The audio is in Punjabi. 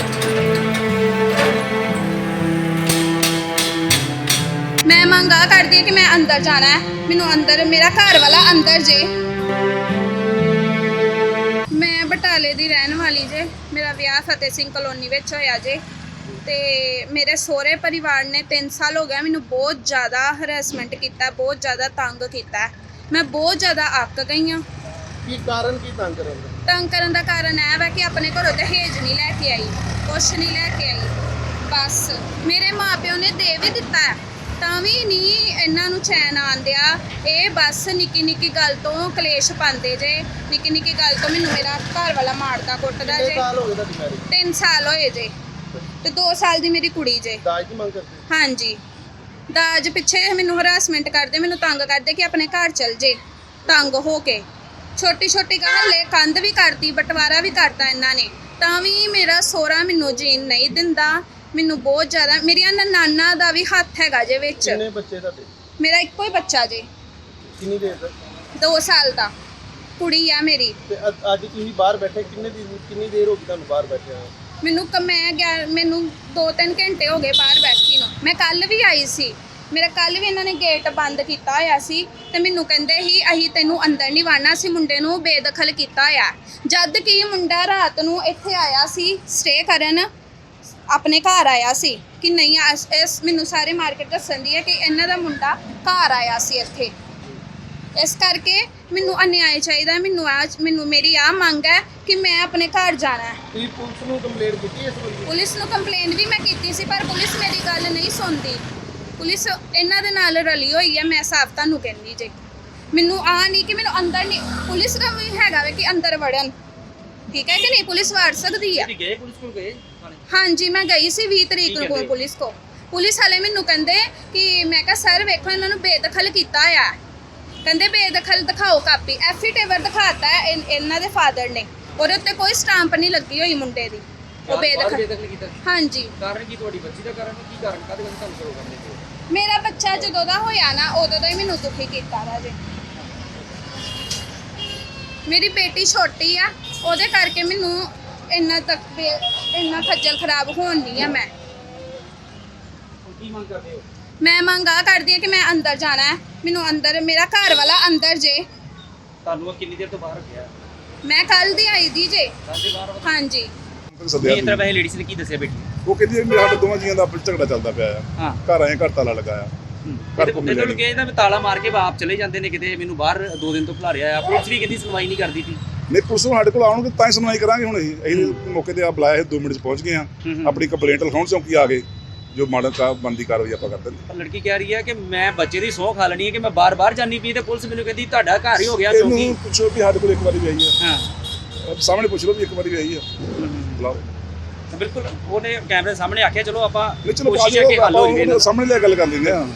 मैं मंगा कर दी कि मैं अंदर जाना है, मैनू अंदर मेरा घर वाला अंदर जे। मैं बटाले दी रहन वाली जे, मेरा विआह फतेह सिंह कलोनी विच होया जे ते मेरे सोहरे परिवार ने 3 साल हो गया मैनू बहुत ज़्यादा हरैसमेंट किया, बहुत ज़्यादा तंग किया। मैं बहुत ज़्यादा अक गई हाँ। ਕੀ ਕਾਰਨ ਕੀ ਤੰਗ ਕਰਨ ਦਾ? तंग करन दा कारण है वा कि अपने घरों दहेज नहीं लैके आई, कुछ नहीं लैके आई, बस मेरे माँ प्यो ने दे भी दिता है ਤਾਂ ਵੀ ਨਹੀਂ ਇਹਨਾਂ ਨੂੰ ਚੈਨ ਆਂਦਿਆ। ਇਹ ਬਸ ਨਿੱਕੀ ਨਿੱਕੀ ਗੱਲ ਤੋਂ ਕਲੇਸ਼ ਪਾਉਂਦੇ ਜੇ, ਨਿੱਕੀ ਨਿੱਕੀ ਗੱਲ ਤੋਂ ਮੈਨੂੰ ਮੇਰਾ ਘਰ ਵਾਲਾ ਮਾਰਦਾ ਕੁੱਟਦਾ ਜੇ। 3 ਸਾਲ ਹੋ ਗਏ ਤੁਹਾਡੀ ਮੈਰਿਜ? 3 ਸਾਲ ਹੋਏ ਜੇ ਤੇ 2 ਸਾਲ ਦੀ ਮੇਰੀ ਕੁੜੀ ਜੇ। ਦਾਜ ਦੀ ਮੰਗ ਕਰਦੇ? ਹਾਂਜੀ, ਦਾਜ ਪਿੱਛੇ ਮੈਨੂੰ ਹਰਾਸਮੈਂਟ ਕਰਦੇ, ਮੈਨੂੰ ਤੰਗ ਕਰਦੇ ਕਿ ਆਪਣੇ ਘਰ ਚਲ ਜੇ। ਤੰਗ ਹੋ ਕੇ ਛੋਟੀ ਛੋਟੀ ਗੱਲ ਲੈ ਕੰਧ ਵੀ ਕਰਤੀ, ਬਟਵਾਰਾ ਵੀ ਕਰਤਾ ਇਹਨਾਂ ਨੇ, ਤਾਂ ਵੀ ਮੇਰਾ ਸੋਹਰਾ ਮੈਨੂੰ ਜੀਣ ਨਹੀਂ ਦਿੰਦਾ। ਮੈਨੂੰ ਬਹੁਤ ਜ਼ਿਆਦਾ, ਮੇਰੀਆਂ ਨਾਨਾ ਦਾ ਵੀ ਹੱਥ ਹੈਗਾ ਜੇ ਵਿੱਚ। ਕਿੰਨੇ ਬੱਚੇ ਤੁਹਾਡੇ? ਮੇਰਾ ਇੱਕੋ ਹੀ ਬੱਚਾ ਜੇ, ਕਿੰਨੀ ਦੇਰ ਤੱਕ? 2 ਸਾਲ ਦਾ ਕੁੜੀ ਆ ਮੇਰੀ। ਤੇ ਅੱਜ ਤੁਸੀਂ ਬਾਹਰ ਬੈਠੇ ਕਿੰਨੀ ਦੇਰ ਹੋ ਗਈ ਤੁਹਾਨੂੰ ਬਾਹਰ ਬੈਠਿਆਂ? ਮੈਨੂੰ 2-3 ਘੰਟੇ ਹੋ ਗਏ ਬਾਹਰ ਬੈਠੀ ਨੂੰ। ਮੈਂ ਕੱਲ ਵੀ ਆਈ ਸੀ, ਮੇਰਾ ਕੱਲ ਵੀ ਇਹਨਾਂ ਨੇ ਗੇਟ ਬੰਦ ਕੀਤਾ ਹੋਇਆ ਸੀ ਤੇ ਮੈਨੂੰ ਕਹਿੰਦੇ ਸੀ ਅਸੀਂ ਤੈਨੂੰ ਅੰਦਰ ਨਹੀਂ ਵੜਨਾ, ਸੀ ਮੁੰਡੇ ਨੂੰ ਬੇਦਖਲ ਕੀਤਾ ਹੋਇਆ। ਜਦ ਕਿ ਮੁੰਡਾ ਰਾਤ ਨੂੰ ਇੱਥੇ ਆਇਆ ਸੀ ਸਟੇ ਕਰਨ, ਆਪਣੇ ਘਰ ਆਇਆ ਸੀ ਕਿ ਨਹੀਂ ਇਸ ਮੈਨੂੰ ਸਾਰੇ ਮਾਰਕੀਟ ਦੱਸਣ ਦੀ ਹੈ ਕਿ ਇਹਨਾਂ ਦਾ ਮੁੰਡਾ ਘਰ ਆਇਆ ਸੀ ਇੱਥੇ। ਇਸ ਕਰਕੇ ਮੈਨੂੰ ਅਨਿਆਏ ਚਾਹੀਦਾ। ਮੈਨੂੰ ਮੇਰੀ ਆ ਮੰਗ ਹੈ ਕਿ ਮੈਂ ਆਪਣੇ ਘਰ ਜਾਣਾ ਹੈ। ਤੁਸੀਂ ਪੁਲਿਸ ਨੂੰ ਕੰਪਲੇਂਟ ਕੀਤੀ ਇਸ ਬਾਰੇ? ਪੁਲਿਸ ਨੂੰ ਕੰਪਲੇਂਟ ਵੀ ਮੈਂ ਕੀਤੀ ਸੀ ਪਰ ਪੁਲਿਸ ਮੇਰੀ ਗੱਲ ਨਹੀਂ ਸੁਣਦੀ। ਪੁਲਿਸ ਇਹਨਾਂ ਦੇ ਨਾਲ ਰਲੀ ਹੋਈ ਹੈ, ਮੈਂ ਸਾਫ਼ ਤੁਹਾਨੂੰ ਕਹਿੰਦੀ ਜੇ। ਮੈਨੂੰ ਆ ਨਹੀਂ ਕਿ ਮੈਨੂੰ ਅੰਦਰ ਨਹੀਂ, ਪੁਲਿਸ ਦਾ ਵੀ ਹੈਗਾ ਵੇ ਕਿ ਅੰਦਰ ਵੜਨ, ਠੀਕ ਹੈ ਕਿ ਨਹੀਂ, ਪੁਲਿਸ ਵੜ ਸਕਦੀ ਹੈ। ਗਏ ਪੁਲਿਸ ਕੋਲ ਗਏ? ਹਾਂਜੀ ਮੈਂ ਗਈ ਸੀ 20 ਤਰੀਕ ਨੂੰ ਪੁਲਿਸ ਕੋ। ਪੁਲਿਸ ਵਾਲੇ ਮੈਨੂੰ ਕਹਿੰਦੇ ਕਿ ਮੈਂ ਕਿਹਾ ਸਰ ਵੇਖੋ ਇਹਨਾਂ ਨੂੰ ਬੇਦਖਲ ਕੀਤਾ ਹੋਇਆ। ਕਹਿੰਦੇ ਬੇਦਖਲ ਦਿਖਾਓ ਕਾਪੀ, ਐਫੀਡੇਵਿਟ ਦਿਖਾਤਾ ਹੈ ਇਹਨਾਂ ਦੇ ਫਾਦਰ ਨੇ, ਉਹਦੇ ਉੱਤੇ ਕੋਈ ਸਟੈਂਪ ਨਹੀਂ ਲੱਗੀ ਹੋਈ ਮੁੰਡੇ ਦੀ। ਉਹ ਬੇਦਖਲ ਕੀਤਾ? ਹਾਂਜੀ। ਕਾਰਨ ਕੀ ਤੁਹਾਡੀ ਬੱਚੀ ਦਾ ਕਾਰਨ ਕੀ ਕਾਰਨ ਕਾਹਦੇ ਵਿੱਚ ਤੁਹਾਨੂੰ ਸ਼ੁਰੂ ਕਰਦੇ ਹੋ? ਮੇਰਾ ਬੱਚਾ ਜਦੋਂ ਦਾ ਹੋਇਆ ਨਾ ਉਦੋਂ ਦਾ ਹੀ ਮੈਨੂੰ ਦੁਖੀ ਕੀਤਾ ਰਾਜੇ। ਮੇਰੀ ਬੇਟੀ ਛੋਟੀ ਆ, ਉਹਦੇ ਕਰਕੇ ਮੈਨੂੰ ਇੰਨਾ ਖੱਜਲ ਖਰਾਬ ਹੋਣ ਨਹੀਂ ਆ। ਮੈਂ ਕੀ ਮੰਗ ਕਰਦੇ ਹੋ? ਮੈਂ ਮੰਗ ਆ ਕਰਦੀ ਹਾਂ ਕਿ ਮੈਂ ਅੰਦਰ ਜਾਣਾ ਹੈ, ਮੈਨੂੰ ਅੰਦਰ, ਮੇਰਾ ਘਰ ਵਾਲਾ ਅੰਦਰ ਜੇ। ਤੁਹਾਨੂੰ ਕਿੰਨੀ ਦੇਰ ਤੋਂ ਬਾਹਰ ਗਿਆ? ਮੈਂ ਕੱਲ ਦੀ ਆਈ ਦੀ ਜੇ। ਹਾਂਜੀ। ਇਸ ਤਰ੍ਹਾਂ ਵੈਸੇ ਲੇਡੀਜ਼ ਨੇ ਕੀ ਦੱਸਿਆ ਬੇਟੀ? ਉਹ ਕਹਿੰਦੀ ਮੇਰੇ ਸਾਡੇ ਦੋਵਾਂ ਜੀਆਂ ਦਾ ਆਪਸ ਝਗੜਾ ਚੱਲਦਾ ਪਿਆ ਆ। ਘਰ ਆਏ, ਘਰ ਤਾਲਾ ਲਗਾਇਆ, ਘਰ ਕੋ ਮਿਲਿਆ ਮੈਨੂੰ ਕਹਿੰਦਾ ਵੀ ਤਾਲਾ ਮਾਰ ਕੇ ਆਪ ਚਲੇ ਜਾਂਦੇ ਨੇ ਕਿਤੇ, ਮੈਨੂੰ ਬਾਹਰ 2 ਦਿਨ ਤੋਂ ਖਿਲਾਰਿਆ ਆ। ਪੁਲਿਸ ਵੀ ਕਹਿੰਦੀ ਸੁਣਵਾਈ ਨਹੀਂ ਕਰਦੀ ਸੀ। ਨਹੀਂ, ਪੁਲਿਸ ਨੂੰ ਸਾਡੇ ਕੋਲ ਆਉਣਗੇ ਤਾਂ ਹੀ ਸੁਣਵਾਈ ਕਰਾਂਗੇ। ਹੁਣ ਅਸੀਂ ਮੌਕੇ ਤੇ ਆ ਬੁਲਾਇਆ ਸੀ, 2 ਮਿੰਟ 'ਚ ਪਹੁੰਚ ਗਏ ਆ। ਆਪਣੀ ਕੰਪਲੇਂਟ ਲਿਖਾਉਣ ਚੌਂਕੀ ਆ ਗਏ, ਜੋ ਮਾੜਾ ਬਣਦੀ ਕਾਰਵਾਈ ਆਪਾਂ ਕਰ ਦਿੰਦੇ। ਪਰ ਲੜਕੀ ਕਹਿ ਰਹੀ ਹੈ ਕਿ ਮੈਂ ਬੱਚੇ ਦੀ ਸਹੁੰ ਖਾ ਲੈਣੀ ਹੈ ਕਿ ਮੈਂ ਬਾਰ-ਬਾਰ ਜਾਨੀ ਪਈ, ਤੇ ਪੁਲਿਸ ਮੈਨੂੰ ਕਹਿੰਦੀ ਤੁਹਾਡਾ ਘਰ ਹੀ ਹੋ ਗਿਆ ਚੌਂਕੀ। ਇਹਨੂੰ ਪੁੱਛੋ ਵੀ ਸਾਡੇ ਕੋਲ ਇੱਕ ਵਾਰੀ ਵੀ ਆਈ ਆ। ਹਾਂ, ਸਾਹਮਣੇ ਪੁੱਛ ਲਓ ਵੀ ਇੱਕ ਵਾਰੀ ਵੀ ਆਈ ਆ, ਬੁਲਾਓ। ਬਿਲਕੁਲ, ਉਹਨੇ ਕੈਮਰੇ ਸਾਹਮਣੇ ਆਖਿਆ ਚਲੋ ਆਪਾਂ ਨਹੀਂ, ਚਲੋ ਕੋਸ਼ਿਸ਼ ਹੈ ਕਿ ਹੱਲ ਹੋ ਜਾਵੇ। ਸਾਹਮਣੇ ਲੈ ਗੱਲ ਕਰ ਲੈਂਦੇ ਆ।